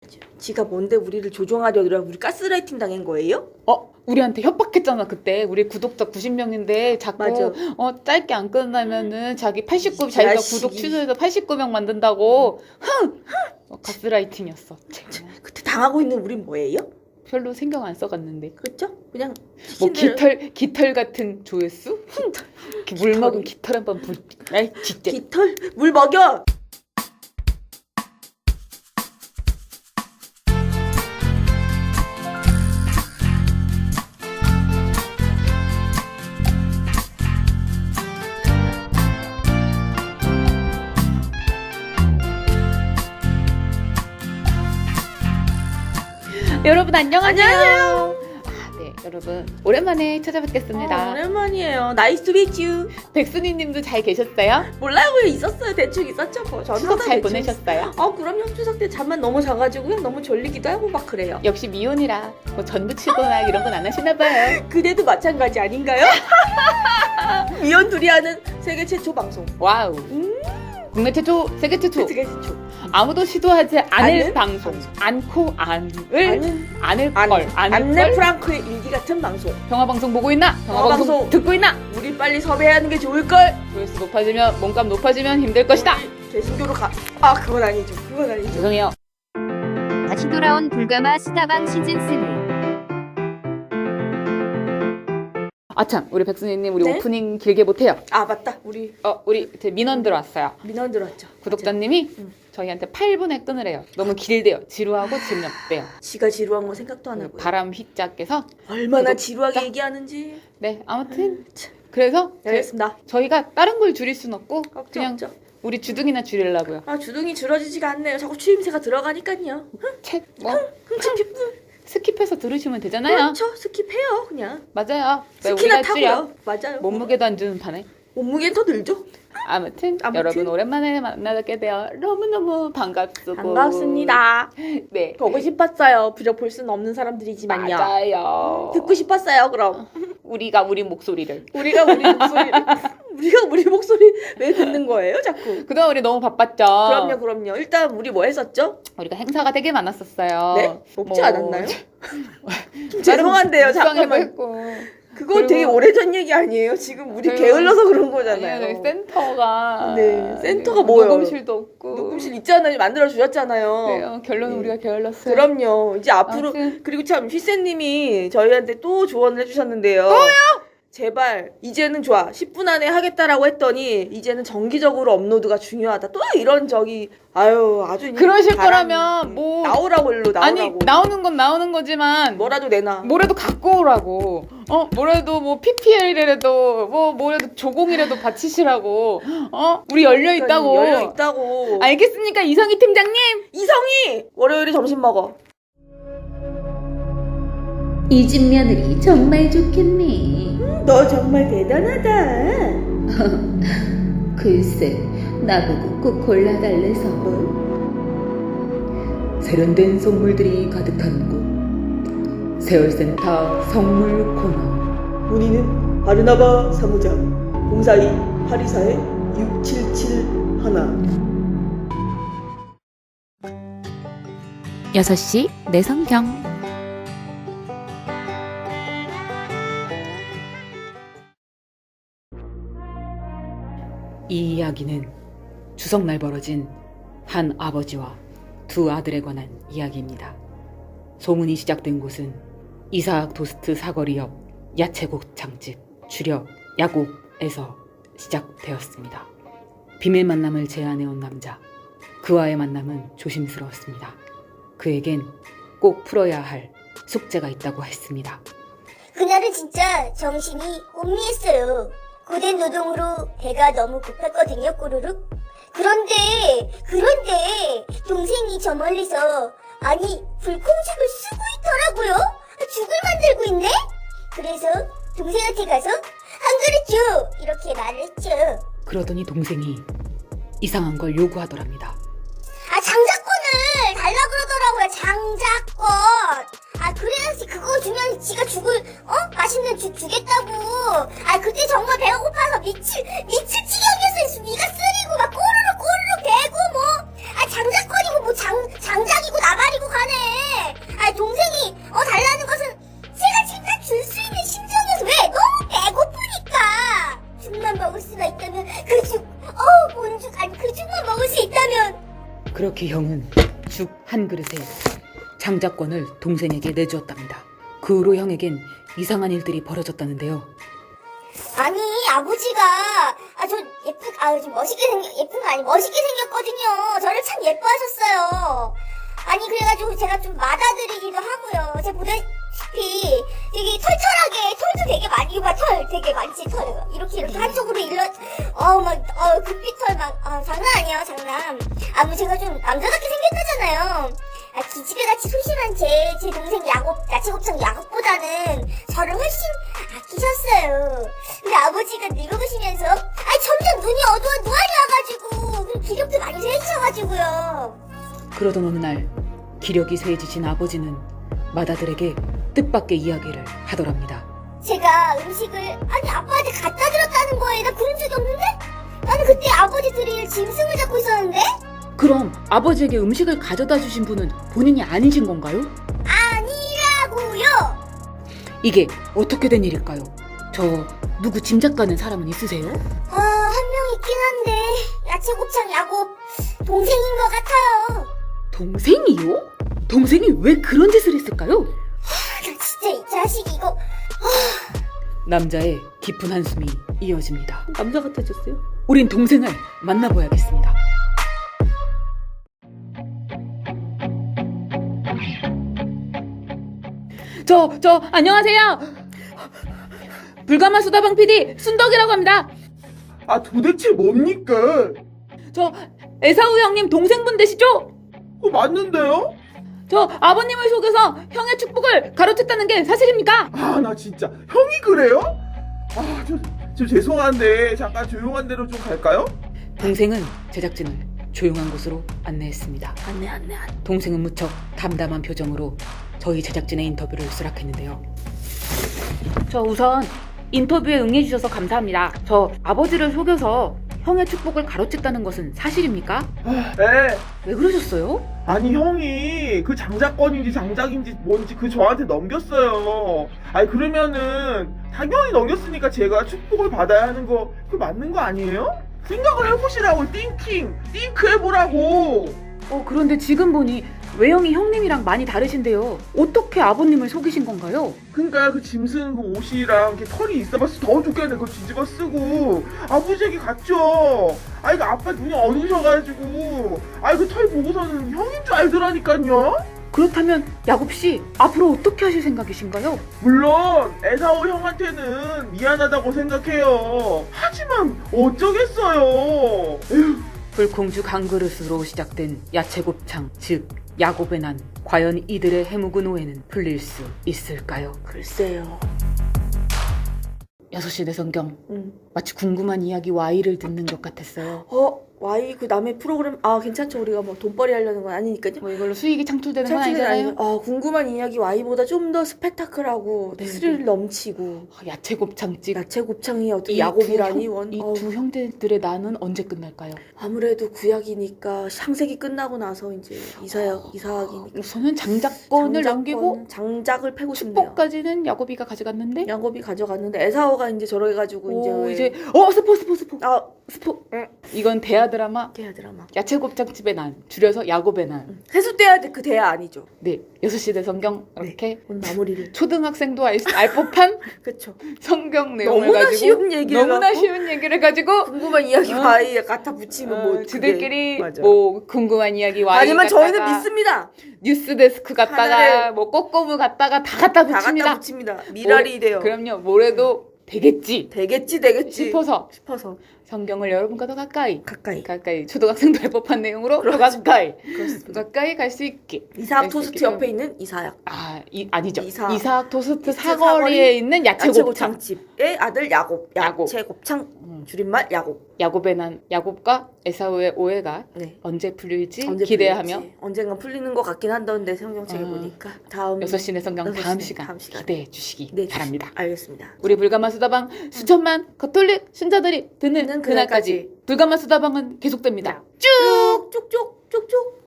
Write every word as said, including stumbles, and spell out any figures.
지가 뭔데 우리를 조종하려더라. 우리 가스라이팅 당한 거예요? 어? 우리한테 협박했잖아 그때. 우리 구독자 구십 명인데 자꾸 맞아. 어 짧게 안 끝나면은 자기 팔십구 자기가 자식이. 구독 취소해서 팔십구 명 만든다고. 흥! 어, 가스라이팅이었어. 그때 당하고 있는 우린 뭐예요? 별로 신경 안 써갔는데. 그렇죠? 그냥 뭐 시신들을- 깃털 깃털 같은 조회수? 이렇게 물 먹은 깃털 한번 볼. 아이 진짜. 깃털 물 먹여. 여러분 안녕하세요. 안녕하세요. 아, 네 여러분 오랜만에 찾아뵙겠습니다. 어, 오랜만이에요. 나이스 투 미츠 유. 백순이님도 잘 계셨어요? 몰라요. 있었어요. 대충 있었죠. 뭐. 저는 추석 항상 잘 대충 보내셨어요? 어 그럼요. 추석 때 잠만 너무 자가지고요. 너무 졸리기도 하고 막 그래요. 역시 미혼이라 뭐 전부 치거나 이런 건 안 하시나 봐요. 그대도 마찬가지 아닌가요? 미연 둘이 하는 세계 최초 방송. 와우. 음. 국내 최초, 세계 최초. 세계 최초. 아무도 시도하지 않을 않은 방송. 않고 안을 아는 안을 안, 걸. 안을 안내 걸. 프랑크의 일기 같은 방송. 평화 방송 보고 있나? 평화 평화 방송 방송. 듣고 있나? 우리 빨리 섭외하는 게 좋을걸. 조회수 높아지면 몸값 높아지면 힘들 것이다. 우리 개신교로 가. 아 그건 아니죠. 그건 아니죠. 죄송해요. 다시 돌아온 불가마 스타방 시즌삼. 아참 우리 백순이님 우리 네? 오프닝 길게 못해요. 아 맞다. 우리 어 우리 이제 민원 들어왔어요. 민원 들었죠. 구독자님이 응. 저희한테 팔 분에 끊으래요. 너무 길대요. 지루하고 재미없대요. 지가 지루한 거 생각도 안 하고. 바람 휘자께서 얼마나 구독자? 지루하게 얘기하는지. 네 아무튼 그래서 네, 알겠습니다. 저희가 다른 걸 줄일 순 없고 걱정 그냥 없죠. 우리 주둥이나 줄이려고요. 아 주둥이 줄어지지가 않네요. 자꾸 추임새가 들어가니까요. 책뭐 흥칫 스킵해서 들으시면 되잖아요. 그렇죠. 스킵해요 그냥. 맞아요. 왜 스키나 우리가 줄여? 타고요. 맞아요. 몸무게도 안 주는 판에. 몸무게는 더 늘죠. 아무튼, 아무튼. 여러분 오랜만에 만나게 되어 너무너무 반갑습니다. 반갑습니다. 네. 보고 싶었어요. 비록 볼 수는 없는 사람들이지만요. 맞아요. 듣고 싶었어요. 그럼 우리가 우리 목소리를. 우리가 우리 목소리 우리가 우리 목소리 왜 듣는 거예요, 자꾸? 그동안 우리 너무 바빴죠. 그럼요, 그럼요. 일단 우리 뭐 했었죠? 우리가 행사가 되게 많았었어요. 네? 없지 뭐, 않았나요? 좀 죄송한데요, 묵상회도 잠깐만. 했고. 그거 그리고- 되게 오래전 얘기 아니에요? 지금 우리 그리고- 게을러서 그런 아니요, 거잖아요. 저희 센터가. 네, 센터가 뭐예요? 녹음실도 없고. 녹음실 있잖아요. 만들어 주셨잖아요. 그래요. 결론은 네. 우리가 게을렀어요. 그럼요. 이제 앞으로 아무튼. 그리고 참 휘쌤님이 저희한테 또 조언을 해주셨는데요. 또요? 제발 이제는 좋아. 십 분 안에 하겠다라고 했더니 이제는 정기적으로 업로드가 중요하다. 또 이런 저기 아유 아주 그러실 바람- 거라면 뭐- 나오라고 일로 나오라고. 아니 나오는 건 나오는 거지만 뭐라도 내놔. 뭐라도 갖고 오라고. 어 뭐라도 뭐 피피엘이라도 뭐 뭐라도 조공이라도 바치시라고. 어 우리 열려 있다고. 열려 있다고. 알겠습니까 이성희 팀장님? 이성이 월요일에 점심 먹어. 이 집 며느리 정말 좋겠네. 너 정말 대단하다. 글쎄, 나보고 꼭 골라달래서. 세련된 선물들이 가득한 곳 세월센터 선물 코너. 문의는 바르나바 사무장 공사이 팔이사의 육칠칠일. 여섯 시 내성경. 이 이야기는 추석날 벌어진 한 아버지와 두 아들에 관한 이야기입니다. 소문이 시작된 곳은 이사학 토스트 사거리 옆 야채곱창집 주력 야곱에서 시작되었습니다. 비밀 만남을 제안해온 남자. 그와의 만남은 조심스러웠습니다. 그에겐 꼭 풀어야 할 숙제가 있다고 했습니다. 그날은 진짜 정신이 혼미했어요. 고된 노동으로 배가 너무 고팠거든요, 꼬르륵. 그런데, 그런데 동생이 저 멀리서 아니 불콩죽을 쓰고 있더라고요. 죽을 만들고 있네? 그래서 동생한테 가서 한 그릇 줘! 이렇게 말을 했죠. 그러더니 동생이 이상한 걸 요구하더랍니다. 아, 장자권을 달라 그러더라고요. 장자권. 아, 그래야지 그거 주면 지가 죽을 어 맛있는 죽 주겠다고. 아, 그때 정말 배가 고파서 미칠 미칠 지경이었어요. 위가 쓰리고 막 꼬르륵 꼬르륵 대고 뭐. 아, 장자권이고 뭐 장 장작이고 나발이고 가 그렇게 형은 죽 한 그릇에 장자권을 동생에게 내주었답니다. 그 후로 형에겐 이상한 일들이 벌어졌다는데요. 아니 아버지가 아 저 예쁘 아좀 멋있게 생겨 예쁜 거 아니 멋있게 생겼거든요. 저를 참 예뻐하셨어요. 아니 그래가지고 제가 좀 맞아드리기도 하고요. 제가 보다시피 되게 털털하게 털도 되게 많이 봐. 털 되게 많지 털 이렇게 이렇게 한쪽으로 일러 어막어 금빛털 막 아, 장난 아니에요 장난. 아무 제가 좀 남자답게 생겼다잖아요. 아, 기집애같이 소심한 제, 제 동생 야곱, 야채곱창 야곱보다는 저를 훨씬 아끼셨어요. 근데 아버지가 늙어가시면서, 아, 점점 눈이 어두워, 누아리 와가지고, 그리고 기력도 많이 세지셔가지고요. 그러던 어느 날 기력이 쇠해지신 아버지는 맏아들에게 뜻밖의 이야기를 하더랍니다. 제가 음식을, 아니, 아빠한테 갖다 드렸다는 거에 나 그런 적이 없는데? 나는 그때 아버지 드릴 짐승을 잡고 있었는데? 그럼 아버지에게 음식을 가져다 주신 분은 본인이 아니신 건가요? 아니라고요! 이게 어떻게 된 일일까요? 저 누구 짐작 가는 사람은 있으세요? 아, 한 명 있긴 한데, 야채곱창 야곱, 동생인 것 같아요. 동생이요? 동생이 왜 그런 짓을 했을까요? 나 진짜 이 자식 이거 남자의 깊은 한숨이 이어집니다. 남자 같아졌어요? 우린 동생을 만나봐야겠습니다. 저, 저, 안녕하세요. 불가마 수다방 피디 순덕이라고 합니다. 아 도대체 뭡니까? 저 에사우 형님 동생분 되시죠? 어, 맞는데요? 저 아버님을 속여서 형의 축복을 가로챘다는 게 사실입니까? 아 나 진짜 형이 그래요? 아저 저 죄송한데 잠깐 조용한 데로 좀 갈까요? 동생은 제작진을 조용한 곳으로 안내했습니다. 안내 안내 안내. 동생은 무척 담담한 표정으로 저희 제작진의 인터뷰를 수락했는데요. 저 우선 인터뷰에 응해주셔서 감사합니다. 저 아버지를 속여서 형의 축복을 가로챘다는 것은 사실입니까? 네. 왜 그러셨어요? 아니 형이 그 장자권인지 장작인지 뭔지 그 저한테 넘겼어요. 아니 그러면은 당연히 넘겼으니까 제가 축복을 받아야 하는 거 그 맞는 거 아니에요? 생각을 해보시라고. 띵킹 띵크 해보라고. 어 그런데 지금 보니 외형이 형님이랑 많이 다르신데요. 어떻게 아버님을 속이신 건가요? 그러니까 그 짐승 그 옷이랑 이렇게 털이 있어봤어 더 좋겠네. 그거 뒤집어 쓰고 아버지에게 갔죠. 아이 그 아빠 눈이 어두우셔가지고 아이 그 털 보고서는 형인 줄 알더라니까요. 그렇다면 야곱씨 앞으로 어떻게 하실 생각이신가요? 물론 에사오 형한테는 미안하다고 생각해요. 하지만 어쩌겠어요. 에휴. 불콩죽 한 그릇으로 시작된 야채곱창 즉 야곱의 난 과연 이들의 해묵은 오해는 풀릴 수 있을까요? 글쎄요. 여섯 시 내 성경 음. 마치 궁금한 이야기 Y를 듣는 것 같았어요. 어, 와이 그 남의 프로그램 아 괜찮죠. 우리가 뭐 돈벌이 하려는 건 아니니까요. 뭐 이걸로 수익이 창출되는 건 창출된 아니잖아요. 아니, 아 궁금한 이야기 Y보다 좀 더 스펙타클하고 네, 스릴 네. 넘치고 아, 야채곱창집 야채 곱창이 어떻게 이 야곱이라니 두 형- 원. 이 어우, 두 형제들의 난은 언제 끝날까요? 아무래도 구약이니까 창세기 끝나고 나서 이제 이사약 이사학이니까 우선은 장자권을 남기고 장작을 패고 싶네요. 축복까지는 야곱이가 가져갔는데 야곱이 가져갔는데 에사오가 이제 저래가지고 이제 오, 왜- 이제 어 스포 스포 스포 아 스포 이건 대하 드라마 깨야 드라마 야채곱창집의 난 줄여서 야곱의 난. 해수대야 그 대야 아니죠. 네 여섯 시 내 성경 이렇게 오늘 마무리를 초등학생도 알, 알 법한 그쵸. 성경 내용을 너무나 가지고 쉬운 얘기를 너무나 갖고 쉬운 얘기를 가지고 궁금한 이야기 어. 와이에 갖다 붙이면 뭐 어, 그게- 지들끼리 맞아. 뭐 궁금한 이야기 와이 하지만 저희는 갖다가 믿습니다. 뉴스 데스크 갖다가 하늘을 뭐 꼬꼬무 갖다가 다 갖다 다 붙입니다. 갖다 붙입니다. 미랄이 뭐- 돼요. 그럼요 뭐래도 되겠지 되겠지 되겠지 싶어서 싶어서 성경을 여러분과 더 가까이 가까이 가까이 초등학생도 할 법한 내용으로 더 그렇죠. 가까이 그렇습니다. 가까이 갈 수 있게 이사학 갈 수 토스트 있게 옆에 있는 이사학 아, 이, 아니죠. 이사- 이사, 토스트 토스트 사거리에 사거리 있는 야채곱창. 야채곱창집의 아들 야곱 야곱. 야채곱창 음. 줄임말 야곱. 야곱의 난 야곱과 에사우의 오해가 네. 언제 풀릴지 언제 기대하며 풀릴지. 언젠간 풀리는 것 같긴 한데 성경책에 아. 보니까 다음 여섯 시내 성경 여섯 다음 시내 시간, 다음 시간. 기대해 주시기 네, 바랍니다. 알겠습니다. 우리 불가마 수다방 수천만 가톨릭 신자들이 듣는 듣는 그날까지 그날까지. 불가마 수다방은 계속됩니다. 쭉쭉쭉쭉쭉